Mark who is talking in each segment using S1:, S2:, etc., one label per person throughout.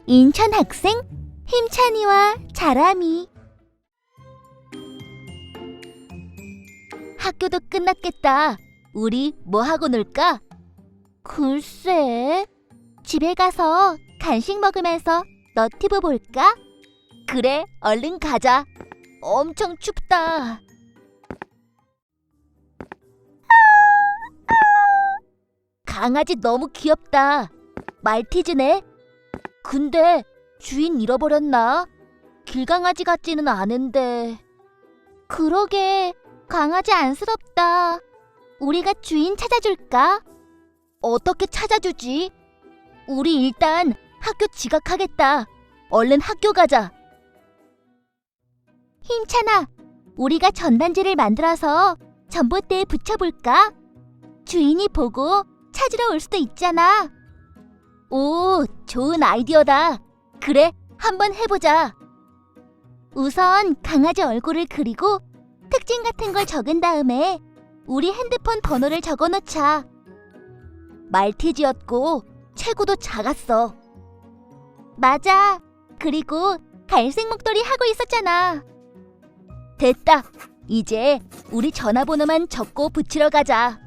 S1: 인천 학생 힘찬이와 자람이. 학교도 끝났겠다. 우리 뭐 하고 놀까? 글쎄, 집에 가서 간식 먹으면서 너튜브 볼까? 그래, 얼른 가자. 엄청 춥다. 강아지 너무 귀엽다. 말티즈네. 근데 주인 잃어버렸나? 길강아지 같지는 않은데. 그러게, 강아지 안쓰럽다. 우리가 주인 찾아줄까? 어떻게 찾아주지? 우리 일단 학교 지각하겠다. 얼른 학교 가자. 힘찬아, 우리가 전단지를 만들어서 전봇대에 붙여볼까? 주인이 보고 찾으러 올 수도 있잖아. 오, 좋은 아이디어다. 그래, 한번 해보자. 우선 강아지 얼굴을 그리고 특징 같은 걸 적은 다음에 우리 핸드폰 번호를 적어놓자. 말티즈였고 체구도 작았어. 맞아. 그리고 갈색 목도리 하고 있었잖아. 됐다. 이제 우리 전화번호만 적고 붙이러 가자.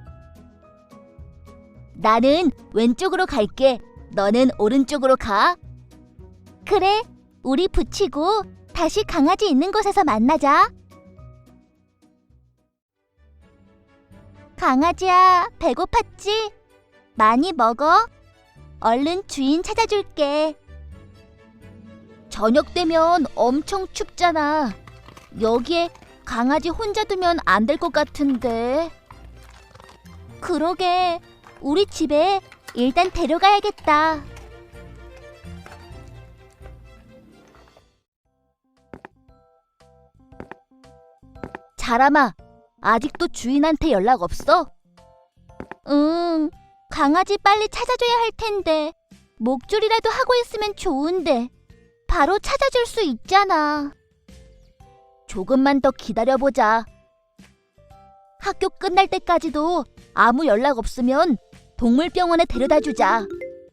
S1: 나는 왼쪽으로 갈게. 너는 오른쪽으로 가. 그래, 우리 붙이고 다시 강아지 있는 곳에서 만나자. 강아지야, 배고팠지? 많이 먹어. 얼른 주인 찾아줄게. 저녁 되면 엄청 춥잖아. 여기에 강아지 혼자 두면 안 될 것 같은데. 그러게, 우리 집에 일단 데려가야겠다. 자람아, 아직도 주인한테 연락 없어? 응, 강아지 빨리 찾아줘야 할 텐데. 목줄이라도 하고 있으면 좋은데. 바로 찾아줄 수 있잖아. 조금만 더 기다려보자. 학교 끝날 때까지도 아무 연락 없으면 동물병원에 데려다 주자.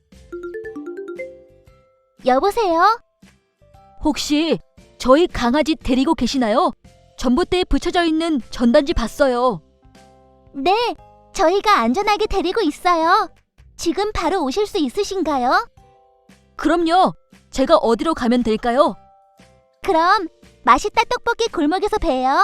S1: 여보세요? 혹시 저희 강아지 데리고 계시나요? 전봇대에 붙여져 있는 전단지 봤어요. 네, 저희가 안전하게 데리고 있어요. 지금 바로 오실 수 있으신가요? 그럼요. 제가 어디로 가면 될까요? 그럼 맛있다 떡볶이 골목에서 봬요.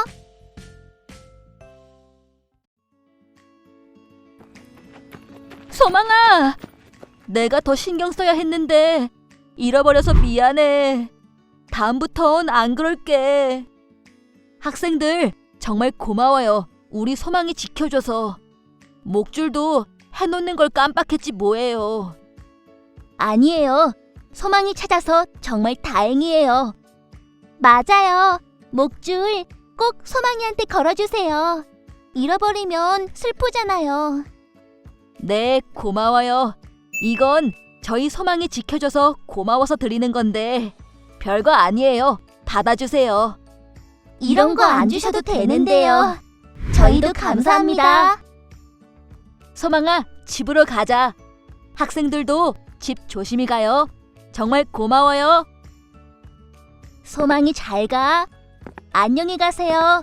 S1: 소망아! 내가 더 신경 써야 했는데 잃어버려서 미안해. 다음부턴 안 그럴게. 학생들 정말 고마워요. 우리 소망이 지켜줘서. 목줄도 해놓는 걸 깜빡했지 뭐예요. 아니에요. 소망이 찾아서 정말 다행이에요. 맞아요. 목줄 꼭 소망이한테 걸어주세요. 잃어버리면 슬프잖아요. 네, 고마워요. 이건 저희 소망이 지켜줘서 고마워서 드리는 건데 별거 아니에요. 받아주세요. 이런 거 안 주셔도 되는데요. 저희도 감사합니다. 소망아, 집으로 가자. 학생들도 집 조심히 가요. 정말 고마워요. 소망이 잘 가. 안녕히 가세요.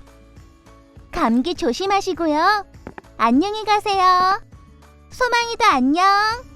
S1: 감기 조심하시고요. 안녕히 가세요. 소망이도 안녕.